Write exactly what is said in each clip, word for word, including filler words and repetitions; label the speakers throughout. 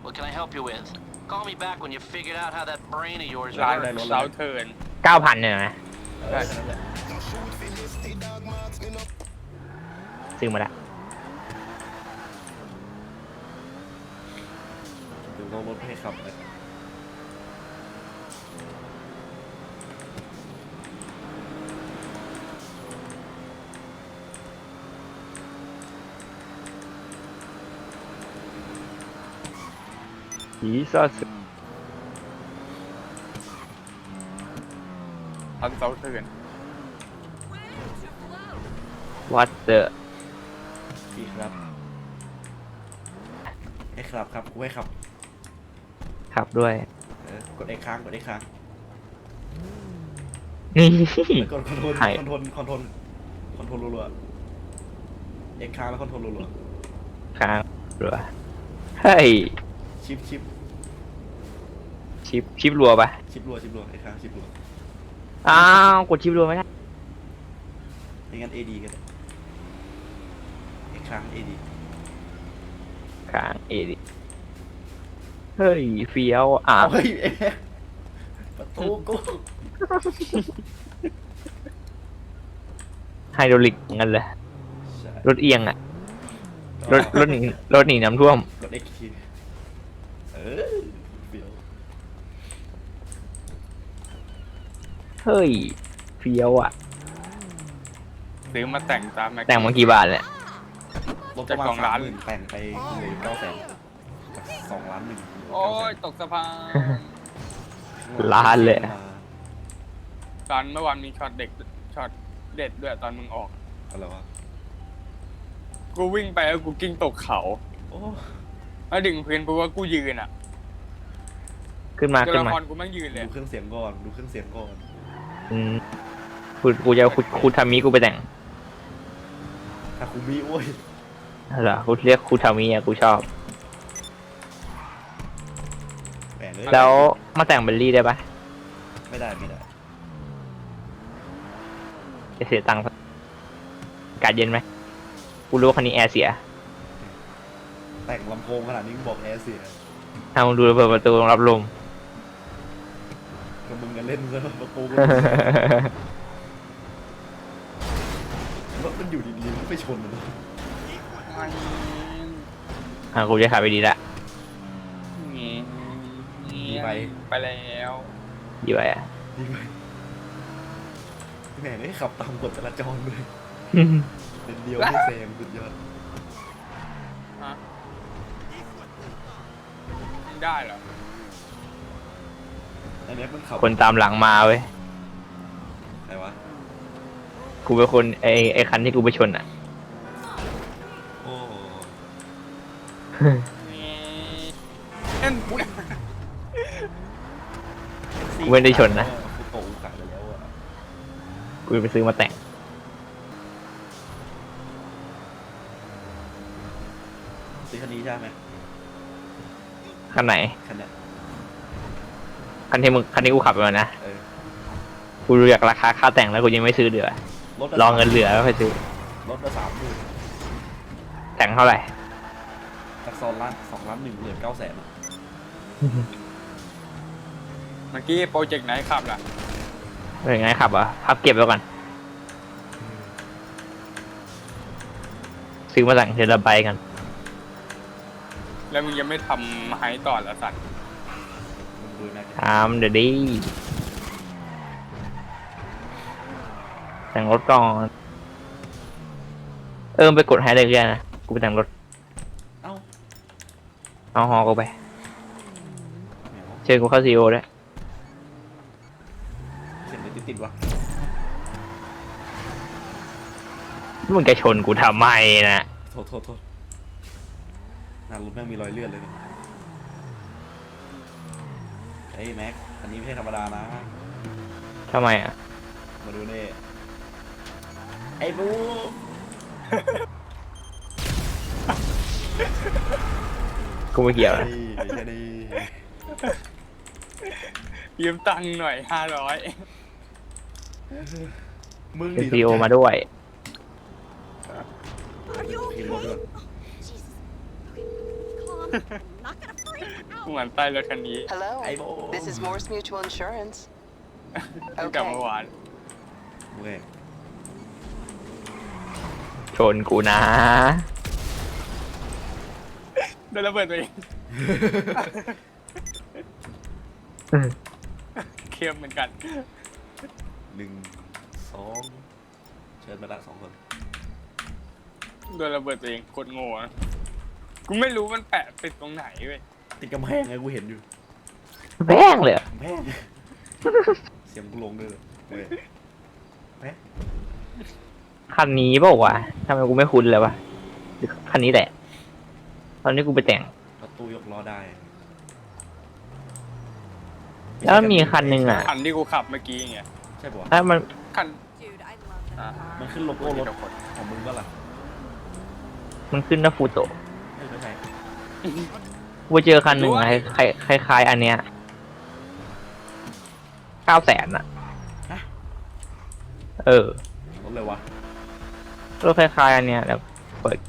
Speaker 1: What can I help you with? Call me back when you figured out how that brain of yours
Speaker 2: ร้าน
Speaker 1: works.
Speaker 2: เซาเทิร์น
Speaker 3: เก้าพันเนี่ยนะ
Speaker 2: ได้แค่นั้นแหละ
Speaker 3: ซื้อมาละ
Speaker 4: ถึงต้องรถให้ขับเลย
Speaker 3: อีซัส
Speaker 2: ร้านเซาเทิร์น
Speaker 3: วัดเดอ
Speaker 4: พี่ครับไอ้ครับครับกูให้ขับ
Speaker 3: ขับด้วย
Speaker 4: เออกดไอ้ค้างกดไอ้ค้าง
Speaker 3: นี่
Speaker 4: แล้วกดคอนโทรล
Speaker 3: ให้
Speaker 4: คอนโทรลคอนโทรลคอนโทรลรัวๆไอ้ค้างแล้วคอนโทรลรัว
Speaker 3: ค้างเรือเฮ้ย
Speaker 4: ๆชิปชิป
Speaker 3: ชิปชิปรัวปะ
Speaker 4: ชิปรัวชิปรัวไอ้ค้างชิปรัว
Speaker 3: อ้าวกดชิปรัวไม่ได้
Speaker 4: ไม่งั้น เอ ดี ก็ได้ไอ้ค้าง เอ ดี
Speaker 3: ค้างเอดิเฮ้ยเฟี้ยวอ่ะ
Speaker 4: เฮ้ยเอ๊ะประตูกู
Speaker 3: ไฮดรอลิกงั้นเลย
Speaker 4: ใช่
Speaker 3: รถเอียงอ่ะรถรถหนีรถหนีน้ำท่วม
Speaker 4: กด X คีย์เออเปรี้ยว
Speaker 3: เฮ้ยเฟี้ยวอ่ะ
Speaker 2: ซื้อมาแต่งตามแม็ก
Speaker 3: แต่งมากี่บาทเนี่ย
Speaker 4: ลบประมาณสามหมื่นแต่งไปเหลือเก้าแสนจากสองล้านหนึ่ง
Speaker 2: โอ้ยตกสะพาน
Speaker 3: ล้านเลย
Speaker 2: ตอนเมื่อวานมีช็อตเด็กช็อตเด็ดด้วยตอนมึงออก
Speaker 4: อะไรวะ
Speaker 2: กูวิ่งไปแล้วกูกิ้งตกเขา
Speaker 4: โอ้
Speaker 2: แล้วดึงพื้นเพราะว่ากูยืนอ่ะ
Speaker 3: ขึ้นมา
Speaker 2: ตัว
Speaker 3: ขึ้น
Speaker 2: ละ
Speaker 3: มา
Speaker 2: ครกูแม่งยืนเลย
Speaker 4: ดูเครื่องเสียงก่อนดูเครื่องเสียงก่อน
Speaker 3: อืมกูกูจะเอาคุคูทามิกูไปแต่ง
Speaker 4: ทาคุมิโอ้ย
Speaker 3: เหรอกูเรียกคูทามิอ่ะกูชอบ
Speaker 4: แหมเลย
Speaker 3: แล้วมาแต่งเบลลี่ได้ปะ
Speaker 4: ไม่ได้ไม่ได้
Speaker 3: จะเสียตังค์อากาศเย็นไหมกูรู้ว่าคันนี้แอร์เสีย
Speaker 4: แต่งลำโพงขนาดนี้มึงบอกแอร์เสีย
Speaker 3: ถ้ามึงดูเปิดประตูรับลม
Speaker 4: กับมึงกันเล่นซะประตูก็รถมันอยู่ดีๆมันไปชนมัน
Speaker 3: อ่ะกูจะขับไปดีละ
Speaker 2: งี้
Speaker 4: ดีไป
Speaker 2: ไปแล้ว
Speaker 3: ดีไปอ่ะ
Speaker 4: ดีไปแหมไม่ขับตามกฎจราจรเลยเป็นเดียวไม่แซงสุดยอด
Speaker 2: ฮะไม่ได้เหรอ
Speaker 4: ไอ้แม็กมันขับ
Speaker 3: คนตามหลังมาเว้ย
Speaker 4: ไหนวะ
Speaker 3: กูเป็นคนไอไอคันที่กูไปชนอ่ะ
Speaker 4: โอ้
Speaker 2: เอ็น
Speaker 3: กูไม่ได้ชนนะ
Speaker 4: กูโตขายไปแล้วอ่ะ
Speaker 3: กูไปซื้อมาแต่ง
Speaker 4: ซื้อคันนี้ใช่ไหม
Speaker 3: คันไหน
Speaker 4: คันเนี้ย
Speaker 3: คันที่มึงคันที่กูขับมานะ
Speaker 4: เออ
Speaker 3: กูรู้จากราคาค่าแต่งแล้วกูยังไม่ซื้อเดือ
Speaker 4: รถ
Speaker 3: รอเงินเหลือแล้วค่อยซื้อ
Speaker 4: รถละสามหมื่น
Speaker 3: แต่งเท่าไหร่
Speaker 4: จากสองล้านสองล้านหนึ่งเหลือเก้าแสนอ่ะ
Speaker 2: เมื่อกี้โปรเจกต์ไหนขับล่ะ
Speaker 3: เป็นไงขับอ่ะพับเก็บไว้ก่อน ซื้อมาแต่งเทเลไบกัน
Speaker 2: แล้วมึงยังไม่ทำไฮต่อละสัตว์
Speaker 4: มึงดูนะ
Speaker 3: ทำเดี๋ยวดิแต่งรถก่อน เออไปกดไฮเลยก็ได้นะ กูไปแต่งรถ
Speaker 4: เอ้า
Speaker 3: เอาฮอกูไป
Speaker 4: แหมว
Speaker 3: เชิญกูเข้าซีโอด้วย
Speaker 4: เสียงเลยติดๆวะ
Speaker 3: มึงจะชนกูทำไมนะ
Speaker 4: โทษโทษโทษหน้ารถแม่งมีรอยเลือดเลยเนี่ยเฮ้ยแม็กอันนี้ไม่ใช่ธรรมดานะ
Speaker 3: ทำไมอ่ะ
Speaker 4: มาดูนี่ไอ้บู
Speaker 3: กูไม่เกี่ยวนะ
Speaker 4: นี่แค่นี้
Speaker 2: ยืมตังค์หน่อยห้าร้อย
Speaker 4: มึง
Speaker 3: เป็น
Speaker 4: ดิ
Speaker 3: ซีโอมาด้วย
Speaker 4: กินรถด้วย
Speaker 5: Jesus. Okay, calm. I'm not gonna freak.
Speaker 2: เหมือนใต้รถคันนี้
Speaker 5: Hello.
Speaker 4: Hey, Bo.
Speaker 5: This is Morse Mutual Insurance.
Speaker 2: ตั้งแต่เมื่อวาน
Speaker 4: เว้ย
Speaker 3: ชนกูนะ
Speaker 2: โดนระเบิดตัวเองเคียมเหมือนกัน
Speaker 4: หนึ่งสองเชิญมาละสองคน
Speaker 2: โดนระเบิดตัวเองโคตรโง่นะกูไม่รู้มันแปะติดตรงไหนเว้ย
Speaker 4: ติดกำแพงไงกูเห็นอยู่
Speaker 3: แม่งเลยอะ
Speaker 4: กำแพงเสียงกูลงด้วยเลยเว้ยแม่
Speaker 3: คันนี้เปล่าวะทำไมกูไม่คุ้นเลยวะหรือคันนี้แหละ ตอนนี้กูไปแต่ง
Speaker 4: ประตูยกล้อได้
Speaker 3: แล้วมีคันหนึ่งอ่ะ
Speaker 2: คันที่กูขับเมื่อกี้ไง
Speaker 4: ใช่ปะวะ
Speaker 3: ถ้ามัน
Speaker 2: คัน
Speaker 5: Dude, I love that
Speaker 2: อ่ะ
Speaker 5: car.
Speaker 4: มันขึ้นโลโก้รถของมึงก็ล่ะ
Speaker 3: มันขึ้นนะฟูโตะ
Speaker 4: เออไม่ใช่
Speaker 3: กูไปเจอคันหนึ่งอะคล้ายคล้ายคล้ายๆอันเนี้ยเก้าแสนอ่ะ เออ
Speaker 4: รถเลยวะ
Speaker 3: รถคล้ายๆอันเนี้ยแล้วเปิด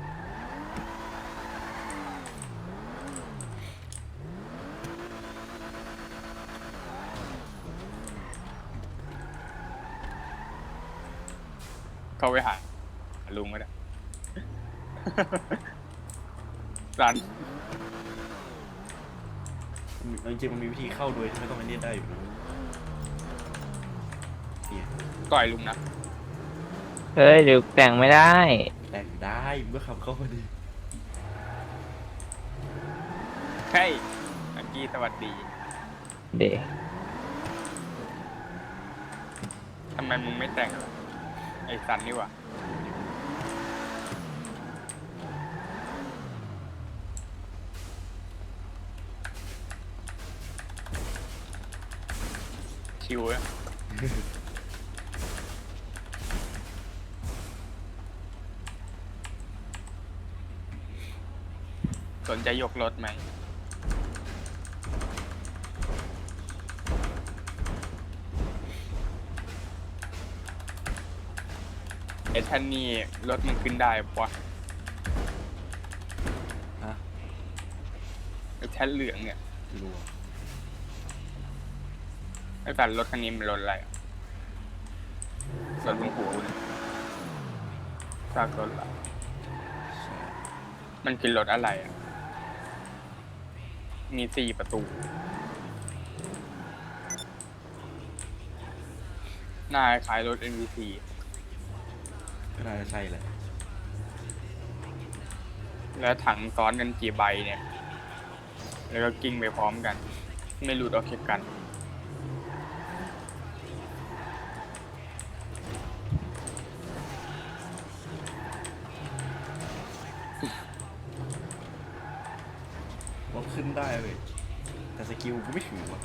Speaker 2: เข้าไปหาลุงก็ได้ รัน
Speaker 4: จริงๆมันมีวิธีเข้าโดยที่ไม่ต้องไปเรียนได้อยู่นะเนี่ย
Speaker 2: ต่อยลุงนะ
Speaker 3: เฮ้ยเดี๋ยวแต่งไม่ได้
Speaker 4: แต่งได้มึงก็ขับเข้ามาดี
Speaker 2: เฮ้ยอังกี้สวัสดี
Speaker 3: เดี๋ยว
Speaker 2: ทำไมมึงไม่แต่งล่ะไอ้สันนี่หว่าชิวอะ สนใจยกรถไหม ไอ้ท่านนี่รถมันขึ้นได้ปะ
Speaker 4: ฮะ
Speaker 2: ไอ้แท่นเหลืองเนี่ย
Speaker 4: ไม่รู้อะ
Speaker 2: ไอ้สันรถคันนี้มันรถอะไรอะรถลุงหูเนี่ยซากรถละ
Speaker 4: ใช่
Speaker 2: มันคือรถอะไรอ่ะ มีสี่ประตู หน้าคล้ายรถ เอ็น วี ซี
Speaker 4: ก็น่าจะใช่แหละ
Speaker 2: แล้วถังซ้อนกันกี่ใบเนี่ย แล้วก็กิ้งไปพร้อมกัน ไม่หลุดออกจากกัน
Speaker 4: รถขึ้นได้เลยแต่สกิลกูไม่ถึงวะ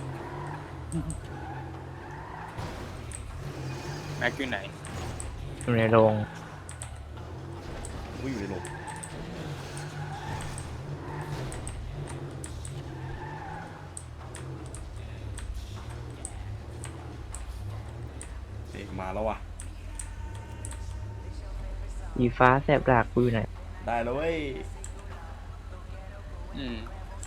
Speaker 2: แม็กอยู่ไหน
Speaker 3: อยู่ในโรง
Speaker 4: กูอยู่ในโลกเอ๊ะมาแล้ววะ
Speaker 3: สีฟ้าแสบดากกูอยู่ไหน
Speaker 4: ได้แล้วเว้ย
Speaker 2: อืม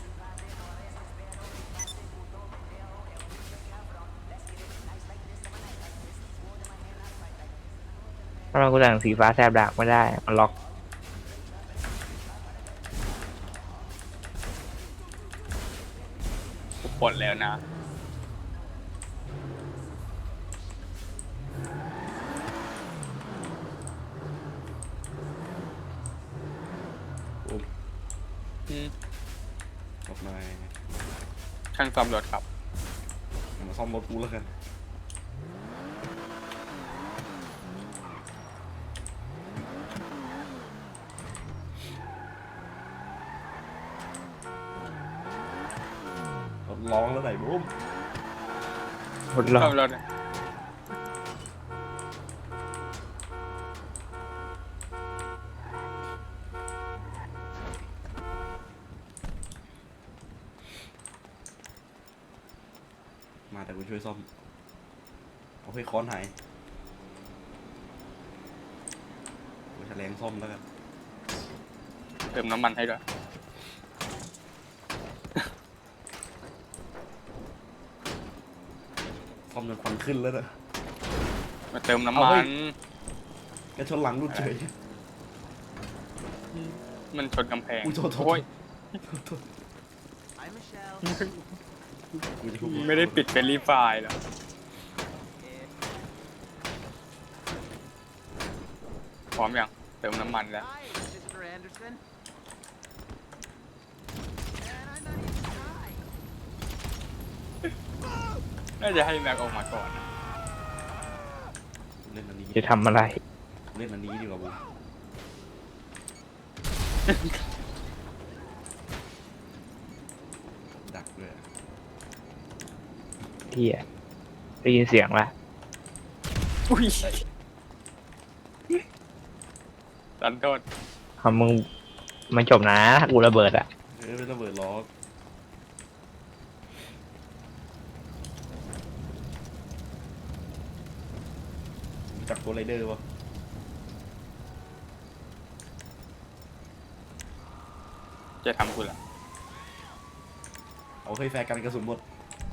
Speaker 3: เพราะเรากูแต่งสีฟ้าแสบดากไม่ได้ มันล็อก
Speaker 2: กูปลดแล้วนะ
Speaker 4: โอ้ย
Speaker 2: อืม
Speaker 4: กลับมา
Speaker 2: ช่างซ่อมรถครับ
Speaker 4: มาซ่อมรถกูแล้วกันรถร้องแล้วไหนบุ้ม
Speaker 3: หมดล็อ
Speaker 2: ซ่อก มรถ
Speaker 4: มาแต่กูช่วยซ่อมเอาให้ค้อนหายกูแฉลงซ่อมแล้วกัน
Speaker 2: เติมน้ำมันให้ด้วย
Speaker 4: ซ่อมจนควันขึ้นแล้วนะ
Speaker 2: มาเติมน้ำ
Speaker 4: เอา
Speaker 2: มั
Speaker 4: เฮ้
Speaker 2: น
Speaker 4: ย แกชนหลังรุ่นเฉย
Speaker 2: มันชนกำแพง
Speaker 4: อุ้ยโทษโทษ
Speaker 2: โอ้ย
Speaker 4: โทษกูจะพู
Speaker 2: ไม่ได้ปิดเป็นรีไฟล์หรอพร้อมยังเติมน้ำมันแล้ว น่าจะให้แม็กออกมาก่อนนะ
Speaker 4: เล่นอันนี้
Speaker 3: จะทำอะไร
Speaker 4: เล่นอันนี้ดีกว่าบูดักด้วย
Speaker 3: เที่ยได้ยินเสียงละ
Speaker 2: อุ้ยตันโทษ
Speaker 3: คำมึงมันจบนะถ้ากูระเบิดอะ
Speaker 4: เออเป็นระเบิดล้อจับตัวไรเดอร์วะ
Speaker 2: จะทำกูละ
Speaker 4: เอาเคยแฟร์กันกระสุนหมด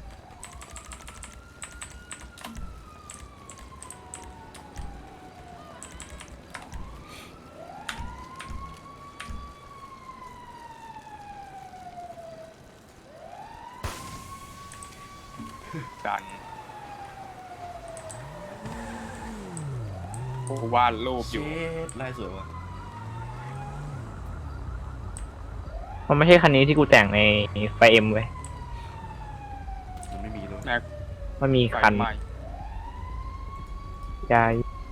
Speaker 2: ดันกูวาดรูปอ
Speaker 4: เช
Speaker 2: ยู่
Speaker 4: ดไล่สวยวะ
Speaker 3: มันไม่ใช่คันนี้ที่กูแต่งในไฟเอ็มเว้ย
Speaker 4: มันไม่มีเลย
Speaker 2: แม็ก
Speaker 3: มันมี
Speaker 2: ไฟ
Speaker 3: คัน
Speaker 2: ไหม้
Speaker 3: ยาย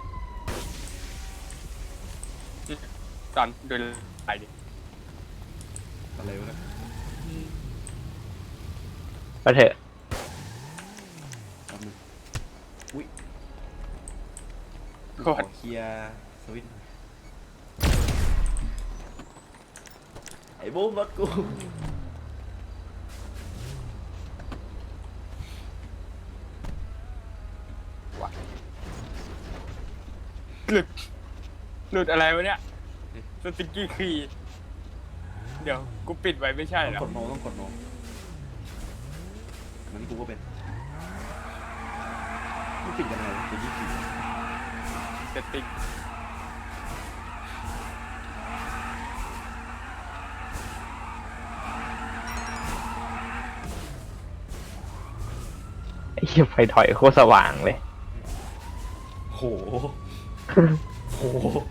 Speaker 2: ตันเดินไปดิ
Speaker 4: อะไรวะเนะ
Speaker 3: ไปเถอะ
Speaker 4: แป๊บนึงอุ้ย
Speaker 2: โค
Speaker 4: ขอ
Speaker 2: ตร
Speaker 4: เคลียร์สวิตช์หน่อยไอ้บูมรถกู
Speaker 2: หลุดหลุดอะไรวะเนี่ยสติกกี้คีย์เดี๋ยวกูปิดไว้ไม่ใช่
Speaker 4: ต้อง
Speaker 2: เหรอก
Speaker 4: ดโนต้องกดโนนั้นกูก็เป็นไม่ปิดยังไงวะจะยี่สิบ
Speaker 2: เซตติ้ง
Speaker 3: ไอ้เหี้ยไฟถอยโคตรสว่างเลย
Speaker 4: โหโห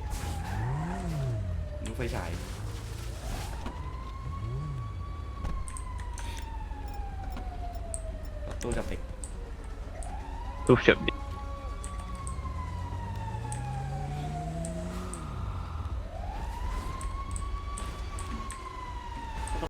Speaker 4: นึกไฟฉายตัวจับเด็ก
Speaker 3: รูปเฉยดิ